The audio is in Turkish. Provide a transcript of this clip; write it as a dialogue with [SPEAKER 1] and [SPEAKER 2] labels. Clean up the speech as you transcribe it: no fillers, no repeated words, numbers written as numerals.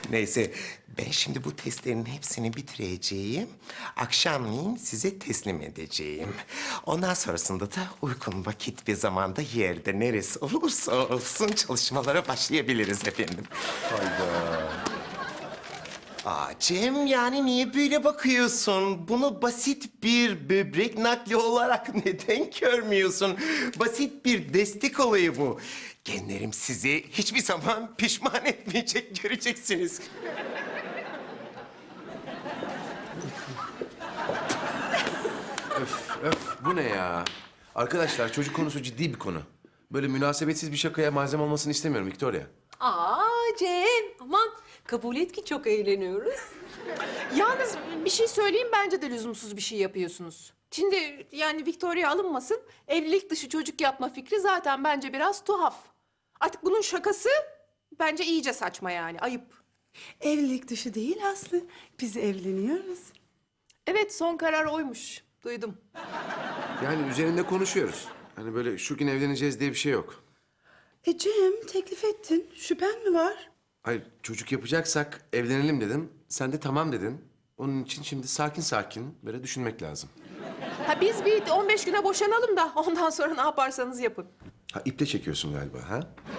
[SPEAKER 1] Neyse, ben şimdi bu testlerin hepsini bitireceğim. Akşamleyin size teslim edeceğim. Ondan sonrasında da uygun vakit ve zamanda yerde neresi olursa olsun çalışmalara başlayabiliriz efendim. Cem, yani niye böyle bakıyorsun? Bunu basit bir böbrek nakli olarak neden görmüyorsun? Basit bir destek olayı bu. Genlerim sizi hiçbir zaman pişman etmeyecek, göreceksiniz.
[SPEAKER 2] Bu ne ya? Arkadaşlar çocuk konusu ciddi bir konu. Böyle münasebetsiz bir şakaya malzeme olmasını istemiyorum Victoria.
[SPEAKER 3] Cem, aman kabul et ki çok eğleniyoruz.
[SPEAKER 4] Yalnız bir şey söyleyeyim, bence de lüzumsuz bir şey yapıyorsunuz. Şimdi yani Victoria alınmasın, evlilik dışı çocuk yapma fikri zaten bence biraz tuhaf. Artık bunun şakası bence iyice saçma yani, ayıp.
[SPEAKER 5] Evlilik dışı değil Aslı. Biz evleniyoruz.
[SPEAKER 4] Evet, son karar oymuş, duydum.
[SPEAKER 2] Yani üzerinde konuşuyoruz. Hani böyle şu gün evleneceğiz diye bir şey yok.
[SPEAKER 5] Cem teklif ettin. Şüphen mi var?
[SPEAKER 2] Hayır çocuk yapacaksak evlenelim dedim. Sen de tamam dedin. Onun için şimdi sakin sakin böyle düşünmek lazım.
[SPEAKER 4] Ha biz bir 15 güne boşanalım da ondan sonra ne yaparsanız yapın.
[SPEAKER 2] Ha iple çekiyorsun galiba ha?